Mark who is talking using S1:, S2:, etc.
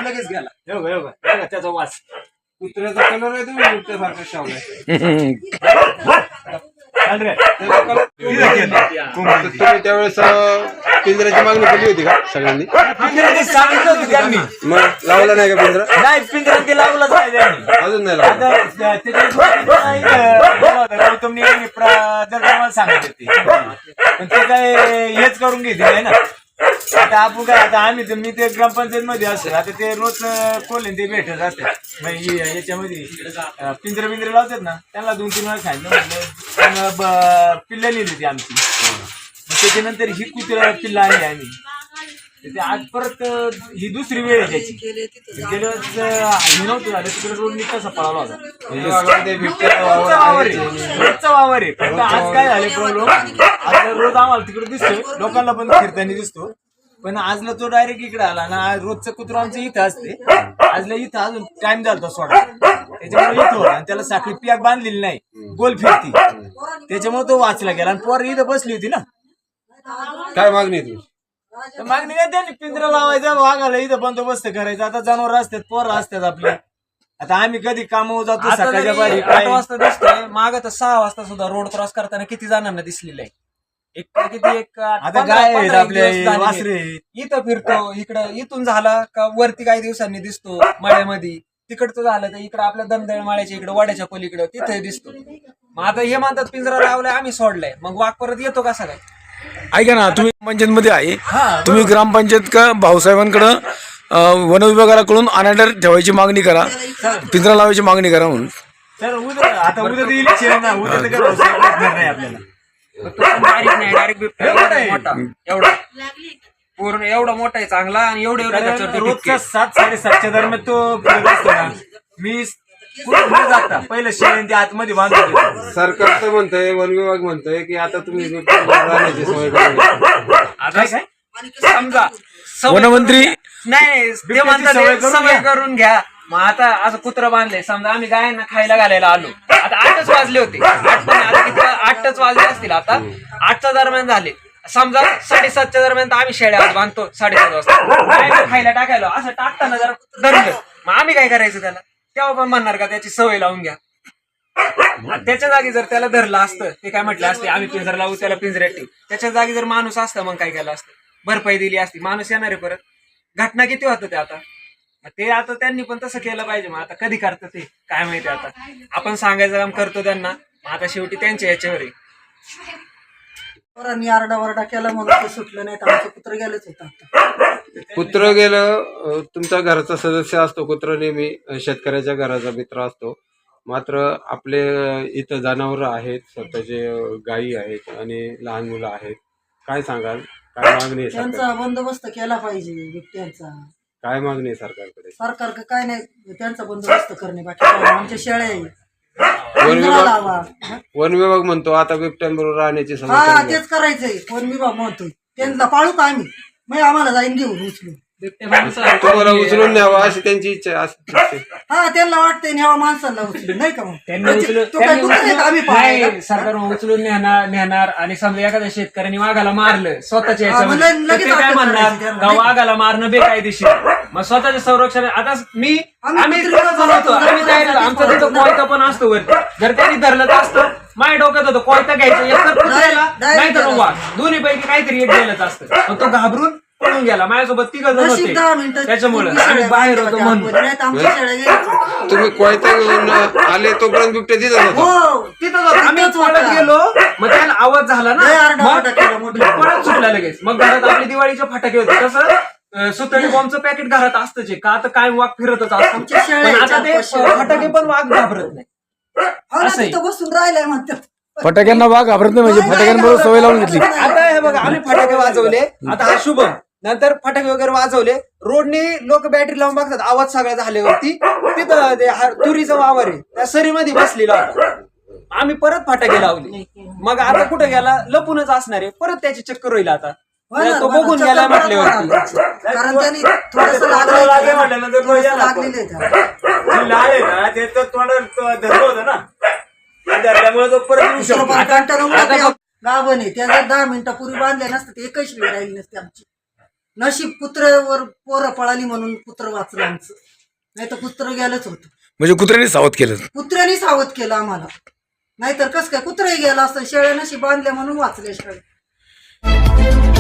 S1: लगेच गेला.
S2: बघा त्याचा वास.
S1: कुत्र्याचा कलर आहे तुम्ही बिबट्यासारखा शावलाय.
S3: तुम्ही त्यावेळेस पिंजऱ्याची मागणी केली होती का सगळ्यांनी?
S2: सांगितलं होतं त्यांनी.
S3: मग लावला नाही का पिंजरा?
S2: नाही पिंजरा ते लावलंच नाही त्यांनी.
S3: अजून नाही लावला.
S2: गौतमनी जर सांगत होते पण ते काय हेच करून घेते नाही ना. आता आपण काय आता आम्ही मी ते ग्रामपंचायत मध्ये असतो. आता ते रोज कोल्हे ते भेटत असतात याच्यामध्ये पिंजरे बिंजरे लावतात ना. त्यांना 2-3 वेळा सांगितलं म्हटलं पिल्ला लिहिली ती आमची. त्याच्यानंतर ही कुत्रा पिल्ला आणली आम्ही. ते आज परत ही दुसरी वेळ आहे त्याची. गेल्या हे नव्हतं झालं तिकडे रोड कसा पळाला होता. रोजचा वावर आहे. फक्त आज काय झाले प्रॉब्लेम. आज रोज आम्हाला तिकडे दिसतोय लोकांना पण फिरताना दिसतो. पण आजला तो डायरेक्ट इकडे आला ना. रोजचं कुत्र आमचं इथं असते. आजला इथं अजून टाइम झाला सोडा. त्याच्यामुळे इथं आणि त्याला साखळी पियाक बांधलेली नाही. गोल फिरती त्याच्यामुळे तो वाचला गेला. आणि पोर इथं बसली होती ना.
S3: काय मागणी आहे तुमची?
S2: तर मागणी काय त्यांनी पिंजरा लावायचा वाघाला इथं बंदोबस्त करायचा. आता जनावर असतात पोरं असतात आपले. आता आम्ही कधी कामावर जातो सकाळच्या बारी
S4: 8 वाजता दिसतोय. माग तर 6 वाजता सुद्धा रोड क्रॉस करताना किती जणांना दिसलेलं आहे. एक
S2: आता गाय आहेत आपले वासरे.
S4: इथं फिरतो इकडं. इथून झाला का वरती काही दिवसांनी दिसतो मळ्यामध्ये. तिकडचं झालं तर इकडं आपल्या दंदळ माळ्याच्या इकडं वड्याच्या पलीकडं तिथे दिसतो. मग आता हे म्हणतात पिंजरा लावलाय आम्ही सोडलाय. मग वाघ परत येतो कसा काय?
S5: ऐका ना तुम्ही पंचायत मध्ये आहे. तुम्ही ग्रामपंचायत का भाऊसाहेबांकडं वन विभागाला कळून अनाडर ठेवायची मागणी करा. पिंजरा लावायची मागणी करा म्हणून.
S2: सर उद्या आता उद्या इलेक्शन ना. उद्या तर काय नाही आपल्याला.
S4: डायरेक्ट मोठा एवढा पूर्ण एवढा मोठा आहे चांगला. आणि एवढे
S2: रोजचा 7-7:30 दरम्यान तो फिरत असतो ना. मी कुठे जाता पहिलं शेण ते आतमध्ये बांधतो.
S3: सरकार तर म्हणतंय वन विभाग म्हणतोय की आता तुम्ही राहण्याची सोय करा.
S2: काय काय
S4: समजा
S5: वनमंत्री
S4: नाही ते म्हणतात सवय करून घ्या. मग आता असं कुत्र बांधले समजा आम्ही गायांना खायला घालायला आलो. आता 8च वाजले होते. 8च वाजले असतील. आता 8च्या दरम्यान झाले. समजा 7:30च्या दरम्यान आम्ही शेळ्या बांधतो 7:30 वाजता गायला खायला टाकायला. असं टाकताना जर धरलं मग आम्ही काय करायचं त्याला? तेव्हा पण म्हणणार का त्याची सवय लावून घ्या. त्याच्या जागी जर त्याला धरलं असतं ते काय म्हटलं असते आम्ही पिंजरा लावू त्याला पिंजऱ्यात ठेवू. त्याच्या जागी जर माणूस असतं मग काय केलं असतं? भरपाई दिली असती. माणूस येणार आहे परत. घटना किती होतं ते आता त्यांनी पण तसं केलं पाहिजे. मग आता कधी करतं ते काय माहिती. आता आपण सांगायचं काम करतो त्यांना. आता शेवटी त्यांच्या याच्यावर आहे.
S6: पोरांनी आरडाओरडा केला म्हणून ते सुटलं नाही तर आमचं कुत्र गेलंच होतं.
S3: कुत्र गेलं तुमचा घराचा सदस्य असतो. कुत्र नेहमी शेतकऱ्याच्या घराचा मित्र असतो. मात्र आपले इथं जनावरं आहेत. स्वतःचे गायी आहेत आणि लहान मुलं आहेत. काय सांगाल? काय मागणी आहे
S6: त्यांचा
S3: सरकार?
S6: बंदोबस्त केला पाहिजे बिबट्यांचा.
S3: काय मागणी आहे सरकारकडे?
S6: सरकार काय नाही त्यांचा बंदोबस्त करणे. बाकी काय नाही. आमच्या शेळ्या आहे.
S3: वन
S6: पिंजरा
S3: विभाग
S6: लावा.
S3: वन विभाग म्हणतो आता बिबट्यांबरोबर राहण्याची सवय
S6: हा
S3: करून घ्या.
S6: तेच करायचंय. वन विभाग म्हणतोय त्यांना पाळू का आम्ही. मग आम्हाला जाईन घेऊन उचलून.
S3: तुम्हाला उचलून न्यावा अशी त्यांची इच्छा असते.
S6: हा त्यांना वाटतंय न्यावा माणसाला उचलून नाही का. मग तो काय कुत्रा आहे का आम्ही पाळायला?
S4: नाही सरकार उचलून नेणार आणि समजा एखाद्या शेतकऱ्यांनी वाघाला मारलं स्वतःच्या
S6: हा, मग
S4: याच्यामध्ये
S6: लगेच
S4: तर ते काय
S6: अटक
S4: म्हणणार
S6: करायची त्यांना,
S4: का
S6: नाही का?
S4: वाघाला मारणं बेकायदेशीर. मग स्वतःच्या संरक्षण. आता आम्ही
S6: कुत्रीला
S4: बनवतो. आम्ही तयार झालो. आमचा तिथं कोयता पण असतो वरती. जर त्यांनी धरलं तर असतं माझ्या डोक्यात होतं कोयता घ्यायचं एक तर कुत्र्याला नाही तर वाघ दोन्ही पैकी काहीतरी एक गेलंच असतं. मग तो घाबरून पळून गेला. माझ्यासोबत 3 जण
S6: नशीब 10
S4: होते.
S6: मिनिटं
S4: त्याच्यामुळे
S6: पूर्वी
S4: आम्ही
S6: शेळ्या
S4: बाहेर होतो
S6: बांधल्या
S4: म्हणून.
S6: होत्या. नाही तर आमच्या शेळ्या गेल्या.
S3: तुम्ही कोयता घेऊन आले तोपर्यंत बिबट्या तिथं होता.
S6: हो
S4: तिथं जातो. आम्ही
S6: तिथंच
S4: पळत
S6: होता.
S4: गेलो. मग त्याला आवाज झाला ना.
S6: लय आरडाओरडा
S4: मग
S6: केला मोठा.
S4: परत सुटला लगेच. मग घरात आपले दिवाळीचे फटाके होते. तसं सुतळी बॉम्बचं पॅकेट घरात असतंच का आता काय वाघ फिरतच असतं.
S6: आमच्या शेळ्या
S4: पण आता ते
S6: याच्यात
S4: फटाके पण वाघ घाबरत नाही.
S6: हो ना,
S4: असंही.
S6: तिथं बसून राहिलाय म्हणतात.
S5: फटाक्यांना वाघ घाबरत नाही म्हणजे फटाक्यांबरोबर सवय लावून घेतली.
S4: आता हे बघा आम्ही फटाके वाजवले. आता हा शुभम नंतर फटाके वगैरे वाजवले. रोडने लोक बॅटरी लावून बघतात. आवाज सगळा झाल्यावरती तिथं ते तुरीचा वावर आहे त्या सरीमध्ये बसलेला होता. आम्ही परत फटाके लावले. मग आता कुठे गेला लपूनच असणार आहे. परत त्याची चक्कर होईल आता. तो बघून गेला म्हटल्यावरती.
S6: कारण त्यांनी थोडंसं लागलेलं आहे त्याला.
S2: लाल आहे ना ते तर तोंडात धरलं होतं ना. त्यामुळे तो परत येऊ शकतो.
S6: गाभण आहे त्या जर 10 मिनिटापूर्वी बांधल्या नसतं तर एकच वेळ राहिली नसते आमची. नशीब कुत्र्यावर पोरं पळाली म्हणून कुत्रं वाचलं आमचं, नाही तर कुत्रं गेलंच होतं.
S5: म्हणजे कुत्र्याने सावध केलं.
S6: कुत्र्याने सावध केलं आम्हाला, नाहीतर कसं काय कुत्रंही गेलं असतं. शेळ्या नशीब बांधल्या म्हणून वाचल्या शेळ्या.